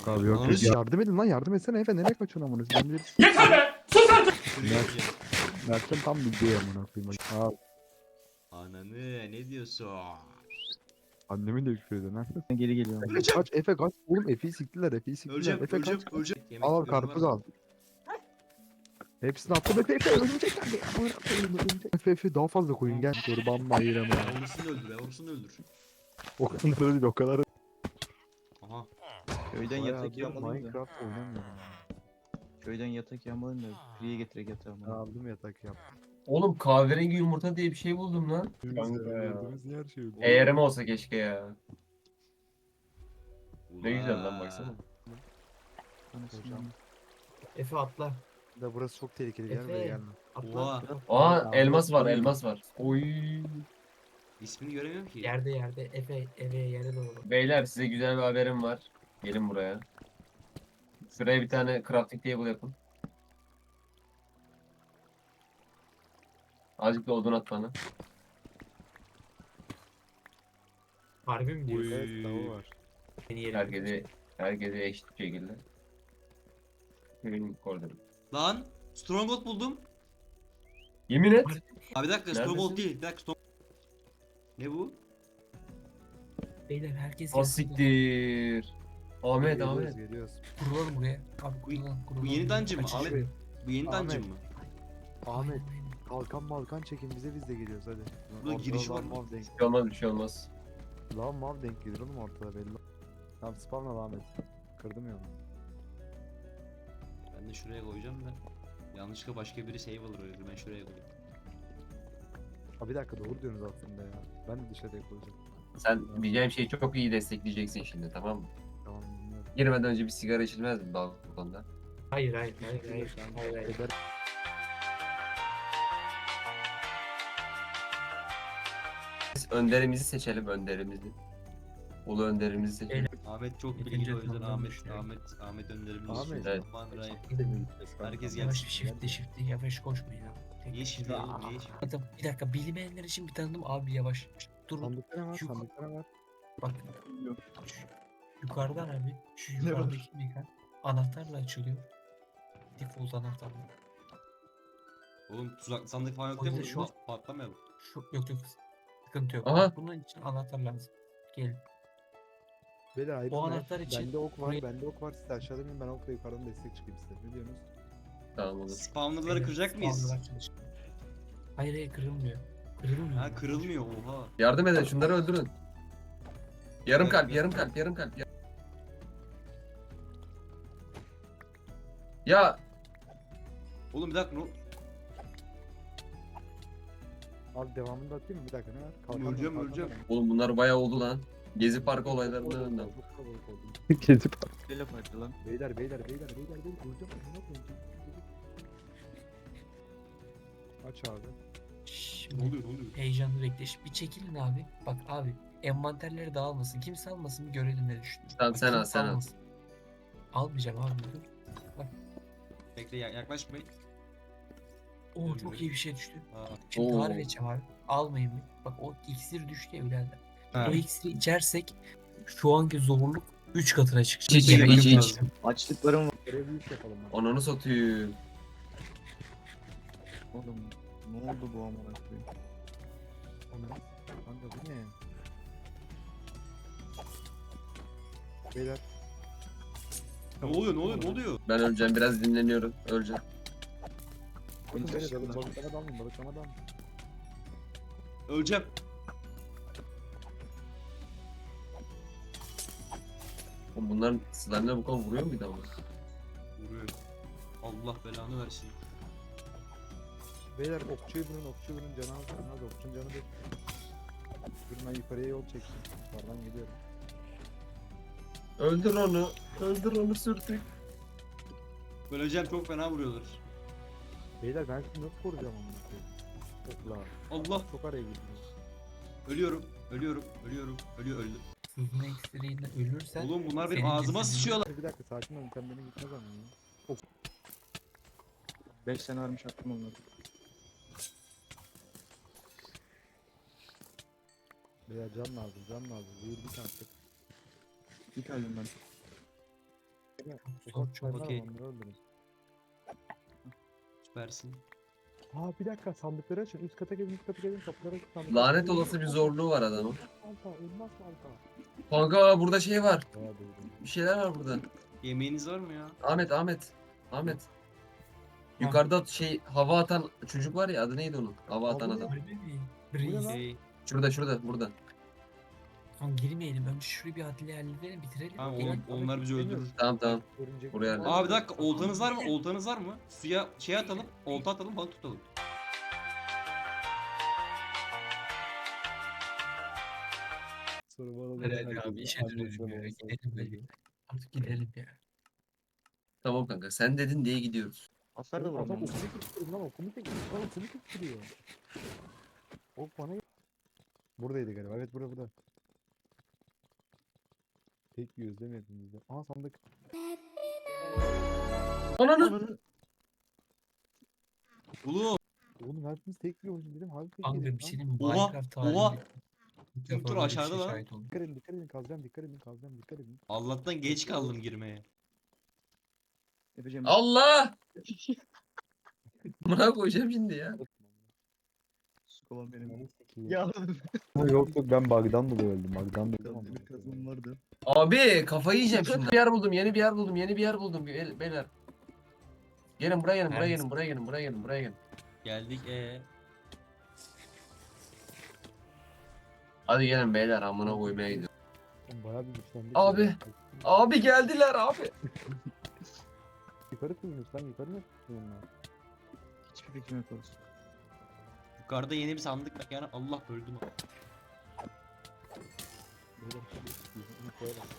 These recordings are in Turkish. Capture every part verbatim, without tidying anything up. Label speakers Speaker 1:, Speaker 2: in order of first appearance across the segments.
Speaker 1: Yok abi yok.
Speaker 2: Ananı
Speaker 1: yok.
Speaker 2: s-
Speaker 1: Yardım edin lan, yardım etsene Efe, nereye kaçıyorsun amına? Ben bir
Speaker 3: Yeter be! Sus artık!
Speaker 1: Mert, Mert'ten tam bildiği amına koyayım. Aa,
Speaker 2: Ananı ne diyorsun?
Speaker 1: annemi de küfür ediyor lan.
Speaker 4: Geri geliyorum.
Speaker 1: Efe kaç, Efe kaç. Oğlum Efe'yi siktiler, Efe'yi siktiler.
Speaker 2: Öleceğim,
Speaker 1: Efe
Speaker 2: öleceğim,
Speaker 1: kaç. kaç.
Speaker 2: öleceğim. Yemek
Speaker 1: Al al,
Speaker 2: yiyorum,
Speaker 1: karpuz
Speaker 2: var.
Speaker 1: al. Hepsini attım Efe, Efe ölecekler diye. Amına koyayım, ölecek. Efe Efe daha fazla koyun gel. Kurban bayramı.
Speaker 2: Yavrusunu öldür, yavrusunu öldür.
Speaker 1: O kadar değil, o kadar.
Speaker 2: Aha.
Speaker 4: Köyden yatak
Speaker 1: Bayağıdır
Speaker 4: yağmalıyım da.
Speaker 1: Minecraft oynamıyorum.
Speaker 4: Köyden yatak yağmalıyım da. Friye getirek yatağımı.
Speaker 1: Aldım yatak yap.
Speaker 3: Oğlum kahverengi yumurta diye bir şey buldum lan.
Speaker 4: Kanka ya.
Speaker 1: Gördüğümüz her şey.
Speaker 3: Eğerim olsa keşke ya. Ne
Speaker 2: Ula.
Speaker 3: güzel lan baksana.
Speaker 1: Hocam.
Speaker 5: Efe atla.
Speaker 1: Da burası çok tehlikeli bir yer, buraya
Speaker 5: Efe.
Speaker 1: gelme.
Speaker 5: Atla.
Speaker 2: Oha.
Speaker 3: Aa elmas var elmas var. Oy.
Speaker 2: İsmini göremiyorum ki.
Speaker 5: Yerde yerde. Efe eve yere doğru.
Speaker 3: Beyler size güzel bir haberim var. Gelin buraya. Şuraya bir tane crafting table yapın. Azıcık da odun at bana.
Speaker 5: Harbi mi diyorsun?
Speaker 1: Evet, tava var.
Speaker 5: Beni yerim.
Speaker 3: Herkese, herkese eşit şekilde. Benim koridorum.
Speaker 2: Lan Stronghold buldum.
Speaker 3: Yemin et.
Speaker 2: Abi bir dakika,
Speaker 3: Neredesin?
Speaker 2: Stronghold değil. Bir dakika, Strong... Ne bu?
Speaker 5: Beyler herkes
Speaker 3: O siktir. Ahmet
Speaker 1: Geliyoruz,
Speaker 3: Ahmet.
Speaker 1: geliyoruz.
Speaker 5: kurulalım buraya. Abi kurulalım kurulalım.
Speaker 2: Bu yeni dungeon mı?
Speaker 5: Açın
Speaker 2: Ahmet.
Speaker 5: şurayı.
Speaker 2: Bu yeni
Speaker 1: Ahmet.
Speaker 2: dungeon mı?
Speaker 1: Ahmet, kalkan malkan çekin bize, biz de geliyoruz hadi.
Speaker 2: Burada
Speaker 1: Ortada
Speaker 2: giriş
Speaker 1: lan
Speaker 2: var mı?
Speaker 1: Mav denk.
Speaker 3: Bir şey olmaz bir şey olmaz.
Speaker 1: Lan mav denk gelir oğlum ortada belli. Tamam spamla Ahmet. Kırdım ya onu.
Speaker 2: Ben de şuraya koyacağım da. Yanlışlıkla başka biri save alır öyle. Ben şuraya koyayım.
Speaker 1: Ha bir dakika, doğru diyorsunuz aslında ya. Ben de dışarıya koyacağım.
Speaker 3: Sen diyeceğim şeyi çok iyi destekleyeceksin şimdi tamam mı?
Speaker 1: Tamam, bilmiyorum.
Speaker 3: Girmeden önce bir sigara içilmez mi balkonda?
Speaker 5: Hayır hayır hayır hayır. Hayır hayır.
Speaker 1: Eder.
Speaker 3: Biz önderimizi seçelim önderimizi. Ulu önderimizi seçelim.
Speaker 2: Ahmet çok
Speaker 5: İkinci
Speaker 2: bilinci, o yüzden
Speaker 5: tanımdan
Speaker 2: Ahmet,
Speaker 5: düşünüyorum.
Speaker 2: Ahmet, Ahmet önderimiz.
Speaker 1: Ahmet.
Speaker 3: Evet.
Speaker 2: Bismillahirrahmanirrahim. Herkes
Speaker 5: Yavaş
Speaker 2: gelsin.
Speaker 5: shift'li shift'li yavaş koşmayın abi. Tek-
Speaker 2: Niye şimdi? Niye şimdi?
Speaker 5: Adam bir dakika bilmeyenler için bir tanıdım abi yavaş. Dur
Speaker 1: Sandıkta ne var?
Speaker 5: Şu-
Speaker 1: Sandıkta ne var?
Speaker 5: bak. Şu- Yukarıdan abi şu yukarıdaki mekan anahtarla açılıyor. Default anahtarla.
Speaker 2: Oğlum tuzak sandık falan yok
Speaker 5: O
Speaker 2: değil mi?
Speaker 5: yüzden şu-
Speaker 2: Şu patlamayalım.
Speaker 5: Şu yok yok sıkıntı yok.
Speaker 3: Aha.
Speaker 5: Bunun için anahtar lazım. Gelin.
Speaker 1: Beyler ayrı
Speaker 5: O
Speaker 1: mı?
Speaker 5: anahtar için
Speaker 1: Bende ok var,
Speaker 5: burayı-
Speaker 1: bende ok var. Siz de aşağıda inin, ben okla yukarıdan destek çıkayım size. Ne diyorsunuz?
Speaker 3: Tamam olur.
Speaker 2: Spawnerları
Speaker 5: Beyler,
Speaker 2: kıracak mıyız?
Speaker 5: spawnlar çalışıyor. Hayır hayır kırılmıyor. Kırılmıyor.
Speaker 2: Ha kırılmıyor, oha.
Speaker 3: Yardım edin şunları öldürün. Yarım kalp yarım kalp yarım kalp. yar- Ya
Speaker 2: Oğlum bir dakika, no.
Speaker 1: Abi devamını da atayım mı? Bir dakika, ne var? Kalkan
Speaker 2: Öleceğim,
Speaker 1: var,
Speaker 2: öleceğim.
Speaker 1: kalkan var.
Speaker 3: oğlum bunlar bayağı oldu lan. Gezi parkı
Speaker 1: Çok
Speaker 3: olaylarından
Speaker 1: kalabalık
Speaker 3: önden.
Speaker 1: oldu, çok kalabalık oldu. Gezi park.
Speaker 4: Böyle farklı lan.
Speaker 1: Beyler beyler beyler beyler beyler. Öleceğim, amına koyayım. Aç abi.
Speaker 5: Şimdi
Speaker 2: Ne oluyor, ne oluyor?
Speaker 5: heyecanlı bekleş. Bir çekilin abi. Bak abi envanterleri dağılmasın. Kimse almasın, bir görelim ne düştü.
Speaker 3: Tamam,
Speaker 5: Bak,
Speaker 3: sen al,
Speaker 5: kimse
Speaker 3: sen al.
Speaker 5: almasın. Almayacağım abi. Dur.
Speaker 2: Bekle, ya- yaklaşmayın.
Speaker 5: Oo çok iyi bir şey düştü.
Speaker 2: Aa.
Speaker 5: Şimdi
Speaker 3: Oo.
Speaker 5: tarif edeceğim abi. Almayın bir. Bak o iksir düştü ya birader.
Speaker 2: Ha.
Speaker 5: O iksiri içersek şu anki zorluk üç katına çıkacak.
Speaker 3: İç, iç,
Speaker 5: Benim
Speaker 3: iç, iç.
Speaker 5: lazım.
Speaker 4: Açlıklarım var.
Speaker 1: Görev büyük yapalım. lan.
Speaker 3: Onunu satayım.
Speaker 4: Oğlum ne oldu bu amına koyayım?
Speaker 1: Onu. Kanka bu ne? Beyler.
Speaker 2: Ne oluyor, ne oluyor, ne oluyor?
Speaker 3: Ben öleceğim biraz dinleniyorum. Öleceğim.
Speaker 1: Bakın beyler,
Speaker 4: Taşıyorlar.
Speaker 1: balık- balıklama dalmayın, balıklama dalmayın.
Speaker 2: Öleceğim.
Speaker 3: Oğlum bunlar slime'le bu kadar vuruyor muydu ama?
Speaker 2: Vuruyor. Allah belanı versin.
Speaker 1: Beyler okçuyu bunun, okçuyu bunun canı az, canı az, okçunun canı bir. Durun, ben yukarıya yol çeksin. Yukarıdan geliyorum.
Speaker 3: Öldür onu. Öldür onu sürtük.
Speaker 2: Öleceğim, çok fena vuruyorlar.
Speaker 1: Beyler ben sizi nasıl koruyacağım amına koyayım? Okla.
Speaker 2: Allah,
Speaker 1: Çok araya girdiniz.
Speaker 2: ölüyorum, ölüyorum, ölüyorum, ölüyor, öldüm.
Speaker 5: Sızma iksiriyle ölürsen
Speaker 2: Oğlum bunlar benim
Speaker 5: senin
Speaker 2: ağzıma
Speaker 5: kesin-
Speaker 2: sıçıyorlar.
Speaker 1: Bir dakika sakin olun, sen beni gitmez ama ya.
Speaker 4: beş sene varmış aklım onları.
Speaker 1: Beyler can lazım, can lazım. Zehir bir artık.
Speaker 4: Bir kalbim ben.
Speaker 1: Ufak çuvallar var,
Speaker 2: Okey.
Speaker 1: onları öldürün.
Speaker 2: Süpersin.
Speaker 1: Aa bir dakika, sandıkları açın. Üst kata gelin, üst kata gelin. Kapıları açın. sandıkları
Speaker 3: Lanet
Speaker 1: açın.
Speaker 3: olası bir zorluğu var adamın.
Speaker 1: Alta, elmas alta.
Speaker 3: Kanka burada şey var.
Speaker 1: Bayağı duydum.
Speaker 3: Bir şeyler var burada.
Speaker 2: Yemeğiniz var mı ya?
Speaker 3: Ahmet, Ahmet. Ahmet. Yukarıda şey hava atan çocuk var ya, adı neydi onun? Hava atan
Speaker 1: Abi ne?
Speaker 3: adam.
Speaker 5: Harbi mi?
Speaker 1: Bu ne
Speaker 5: Breeze.
Speaker 1: lan?
Speaker 2: Şey,
Speaker 3: Şurada şurada burada.
Speaker 5: Tamam girmeyelim. Önce şurayı bir adliye halledelim bitirelim.
Speaker 2: tamam
Speaker 5: Gelin.
Speaker 2: on- onlar bizi öldürür.
Speaker 3: Tamam tamam.
Speaker 1: Örümcek-
Speaker 3: Buraya hallet.
Speaker 2: Abi bir dakika oltanız var mı? Oltanız var mı? Suya şey atalım, olta atalım, balık tutalım.
Speaker 1: Sonra bana da
Speaker 5: Herhalde
Speaker 1: bana
Speaker 5: abi işe
Speaker 1: annesine
Speaker 5: dönelim ya.
Speaker 1: babasına
Speaker 5: Gidelim
Speaker 1: söyledi.
Speaker 5: böyle. Artık gidelim ya.
Speaker 3: Tamam kanka sen dedin diye gidiyoruz.
Speaker 4: Hasar da
Speaker 1: Adam
Speaker 4: vuramam.
Speaker 1: okumu tutturuyor lan, okumu tutturuyor. Lan okumu tutturuyor. Ok bana buradaydı galiba. Evet, burada burada. Tek yiyoruz değil mi hepimizde? Aa sandık.
Speaker 3: Ananı.
Speaker 2: Oğlum,
Speaker 1: Oğlum hepimiz tek yiyormuşuz dedim. Harbi tek
Speaker 5: Kanka
Speaker 1: yedik
Speaker 5: bir
Speaker 1: lan.
Speaker 5: şey diyeyim mi?
Speaker 2: Oha,
Speaker 5: Minecraft
Speaker 2: oha.
Speaker 5: tarihinde ilk
Speaker 2: Dur,
Speaker 5: defa
Speaker 2: dur,
Speaker 5: böyle bir
Speaker 2: aşağıda
Speaker 5: şeye
Speaker 2: lan.
Speaker 5: şahit oldum.
Speaker 1: Dikkat edin, dikkat edin, kazacağım, dikkat edin, kazacağım, dikkat edin.
Speaker 2: Allah'tan geç kaldım girmeye.
Speaker 4: Yapacağım.
Speaker 3: Allah! Buna koyacağım şimdi ya.
Speaker 4: Su kovan benim.
Speaker 1: Ananı sikeyim.
Speaker 4: Ya
Speaker 1: Yok yok, ben bug'dan dolayı öldüm. Bug'dan dolayı.
Speaker 4: Tamam, bir kazım vardı.
Speaker 3: Abi kafayı yiyeceğim şimdi. Bir yer buldum, yeni bir yer buldum, yeni bir yer buldum Be- beyler. Gelin buraya gelin, buraya
Speaker 5: Neredesin?
Speaker 3: gelin, buraya gelin, buraya gelin, buraya gelin.
Speaker 2: Geldik ee.
Speaker 3: Hadi gelin beyler, amına koymaya gidiyorum.
Speaker 1: Oğlum bayağı bir güçlendik.
Speaker 3: Abi,
Speaker 1: ya.
Speaker 3: Abi geldiler abi.
Speaker 1: Yukarı kızmış lan, yukarı nasıl kızıyorsun lan?
Speaker 4: Hiçbir fikrim yok orası.
Speaker 2: Yukarıda yeni bir sandık var yani Allah öldüm.
Speaker 1: Böyle bir şey yok. Yukarı bak.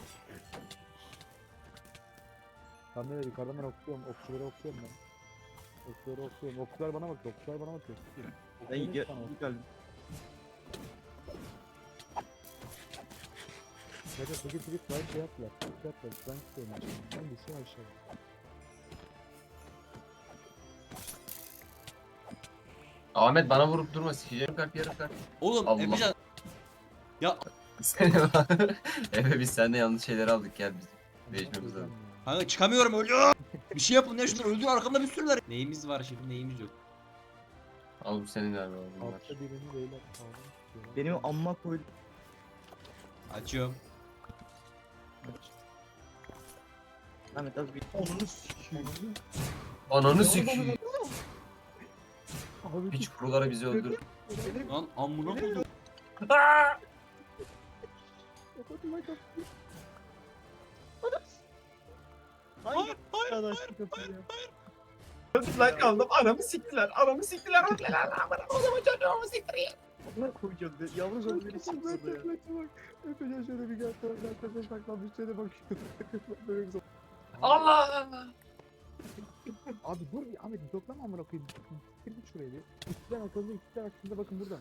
Speaker 1: Ben de yukarıdan ben okuyorum, okçuları okuyorum ben. Okçuları okuyorum, okçular bana bakıyor, okçular bana bakıyor.
Speaker 4: Ben
Speaker 1: Okçular
Speaker 4: gel
Speaker 1: bana bakıyor.
Speaker 4: geldim.
Speaker 1: Hadi çekil çekil, ben şey yaptılar, şey yaptılar, ben tutuyorum aşağı. Ben düşüyorum aşağı.
Speaker 3: Ahmet bana vurup durma, sikeceğim kalp yarım kalp.
Speaker 2: Oğlum
Speaker 3: Allah.
Speaker 2: Efecan. Ya
Speaker 3: Efe biz seninle yanlış şeyler aldık, gel biz. Değişmemiz lazım.
Speaker 2: kanka çıkamıyorum ölüyorum. Bir şey yapın ya şunlar öldü arkamda bir sürüler. Neyimiz var şimdi neyimiz yok.
Speaker 3: Al bu senin abi oğlum var.
Speaker 1: Altta birini beyler kaldı.
Speaker 4: Benim amma koydum.
Speaker 2: Açıyorum.
Speaker 4: Ahmet az bir. Onu sikiyim.
Speaker 3: Ananı sikiyim.
Speaker 1: Abi
Speaker 3: Piç kuruları bizi öldür.
Speaker 2: Lan amına koydum.
Speaker 1: kapatın lan kapıyı.
Speaker 4: Hayır. Arkadaş kapıyı.
Speaker 3: Lan kaldım, anamı siktiler, anamı siktiler. O zaman çocuğumu siktir.
Speaker 4: Ona koyacağım. de- Yavru zombi beni sikti
Speaker 1: Bak
Speaker 4: burada ya.
Speaker 1: bak bak. Efecan şöyle bir gel. Sen sen saklanmış şöyle bakıyor. Böyle bir zaman.
Speaker 3: Allah!
Speaker 1: Abi dur bir Ahmet, bloklama amına koyayım. Gir git şuraya bir. İkiden akıllı, ikiden aklında bakın buradan.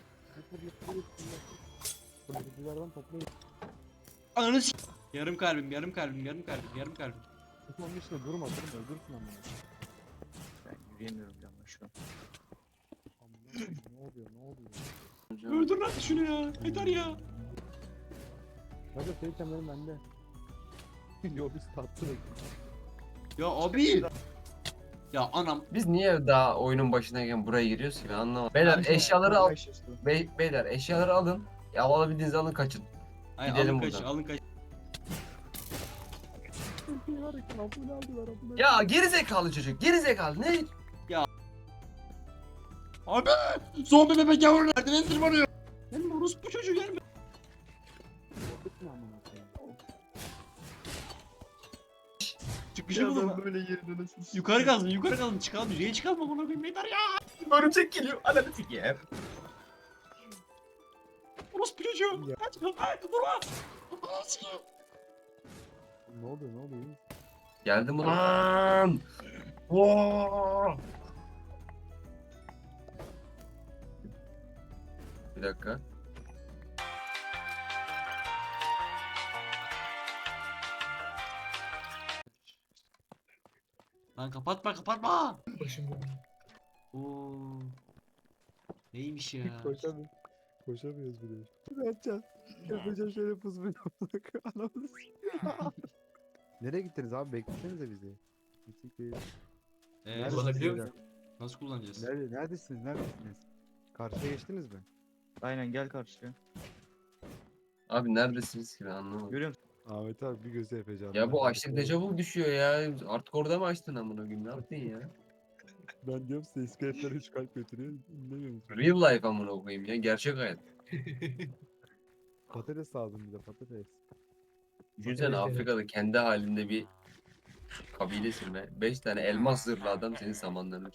Speaker 1: Burada bilgilerden toplayın.
Speaker 2: Ananı s**. Yarım kalbim yarım kalbim yarım kalbim yarım kalbim.
Speaker 1: Onun üstüne durma durma, öldürsün amına.
Speaker 4: Ben yürüyemiyorum canım şu an.
Speaker 1: Amına koyayım, ne oluyor ne oluyor?
Speaker 2: Öldür lan şunu ya yeter ya.
Speaker 1: Hadi söyleyeceğim benim bende. Yo biz tatlı.
Speaker 2: Ya abi. Ya anam.
Speaker 3: Biz niye daha oyunun başındayken buraya giriyoruz ki ben anlamadım. Beyler eşyaları al. Bey, beyler eşyaları alın. Ya alabildiğinizi alın kaçın.
Speaker 2: Ay,
Speaker 3: Gidelim
Speaker 2: alın kaç
Speaker 3: buradan.
Speaker 2: alın kaç.
Speaker 1: Var ya, ampul aldılar ampul.
Speaker 3: Ya geri zekalı çocuk, geri zekalı ne?
Speaker 2: Abi zombi bebek yavrular nereden tırmanıyor? Benim orospu çocuğu gelme.
Speaker 1: Korkutma amına koyayım.
Speaker 2: Çık bir şey bulun lan.
Speaker 4: böyle yerine nasıl
Speaker 2: Yukarı kalsın yukarı kalsın çıkalım yüzeye çıkalım amına koyayım yeter ya.
Speaker 3: Örümcek geliyor, ananı sikeyim.
Speaker 2: Orospu çocuğu.
Speaker 1: Ya.
Speaker 2: Kaç kaç durma. Ananı sikeyim.
Speaker 1: Ne oluyor ne oluyor?
Speaker 3: Geldim ulan. Oo! Bir dakika.
Speaker 2: Lan kapatma kapatma.
Speaker 5: Başım dönüyor.
Speaker 2: Oo. Neymiş ya?
Speaker 1: Koşamıyoruz. Koşamıyoruz bile. Ne yapacağız? Yapacağız şöyle pus bir yapmak. Anamız. Nereye gittiniz abi? Beklesenize bizi. Gittik bir-
Speaker 2: Ee,
Speaker 1: Neredesiniz
Speaker 5: kullanabiliyor
Speaker 1: beyler?
Speaker 5: musun?
Speaker 2: nasıl kullanacağız?
Speaker 1: Nerede, neredesiniz? Neredesiniz? Karşıya geçtiniz mi?
Speaker 4: Aynen gel karşıya.
Speaker 3: Abi neredesiniz ki ben anlamadım.
Speaker 4: Görüyor musun?
Speaker 1: Ahmet abi bir gözü Efecan.
Speaker 3: Ya bu açlık dejavu düşüyor ya. Artık orada mı açtın amına koyayım? Ne yaptın ya?
Speaker 1: Ben diyorum size eski herifler üç kalp götürüyor. Dinlemiyorsunuz.
Speaker 3: Real life amına koyayım ya. Gerçek hayat.
Speaker 1: Patates aldım bir de patates.
Speaker 3: Düşünsene
Speaker 5: Evet, evet.
Speaker 3: Afrika'da kendi halinde bir kabilesin be. Beş tane elmas zırhlı adam seni samanlanır.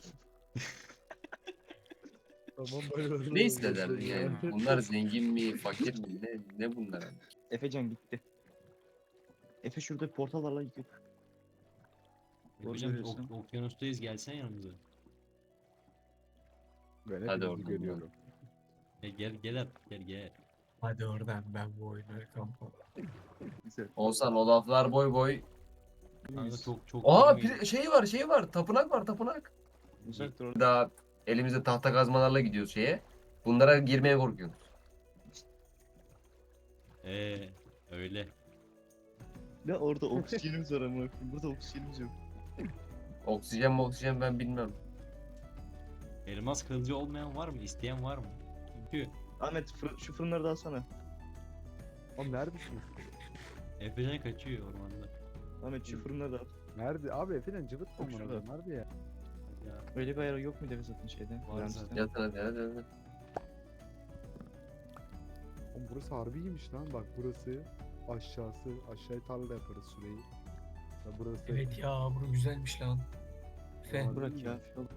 Speaker 1: Tamam böyle.
Speaker 3: Ne hissederdin yani? Bunlar zengin mi, fakir mi? Ne, ne bunlar? abi?
Speaker 4: Efecan gitti. Efe şurada bir portal var lan gidiyor. Doğru
Speaker 2: Hocam
Speaker 4: görüyorsun.
Speaker 2: ok- okyanustayız, gelsen yanımıza.
Speaker 1: Ben
Speaker 3: Hadi
Speaker 1: hepinizi
Speaker 3: oradan
Speaker 1: görüyorum.
Speaker 2: E, gel gel at gel gel.
Speaker 5: Hadi oradan ben bu oyunu kampa.
Speaker 4: Güzel.
Speaker 3: Olsan o laflar boy boy.
Speaker 2: Kanka çok çok
Speaker 3: Aa
Speaker 2: girmeyin.
Speaker 3: bir şey var, şey var. Tapınak var, tapınak.
Speaker 4: Uzak dur orada.
Speaker 3: Daha elimizde tahta kazmalarla gidiyoruz şeye. Bunlara girmeye korkuyoruz.
Speaker 2: Ee, öyle.
Speaker 4: Ne orada oksijenimiz var amına koyayım. Burada oksijenimiz yok.
Speaker 3: Oksijen mi oksijen ben bilmem.
Speaker 2: Elmas kılıcı olmayan var mı? İsteyen var mı? Çünkü
Speaker 4: Ahmet fır- şu fırınları da alsana.
Speaker 1: Oğlum neredesiniz?
Speaker 2: Efecan kaçıyor ormanda.
Speaker 4: Ahmet şu fırınları da al.
Speaker 1: Nerede? Abi Efe'den cıvıt mı
Speaker 4: Şurada.
Speaker 1: bana? Nerede ya?
Speaker 2: Ya,
Speaker 4: Öyle bir ayar yok muydu Efe zaten şeyde?
Speaker 2: Var
Speaker 4: Rams'te?
Speaker 2: zaten.
Speaker 3: Yatın hadi hadi hadi.
Speaker 1: Oğlum burası harbi iyiymiş lan. Bak burası aşağısı. Aşağıya tarla yaparız şurayı. Ya burası.
Speaker 5: Evet ya bura güzelmiş lan. Fe.
Speaker 1: Abi,
Speaker 4: Bırak ya. Şuna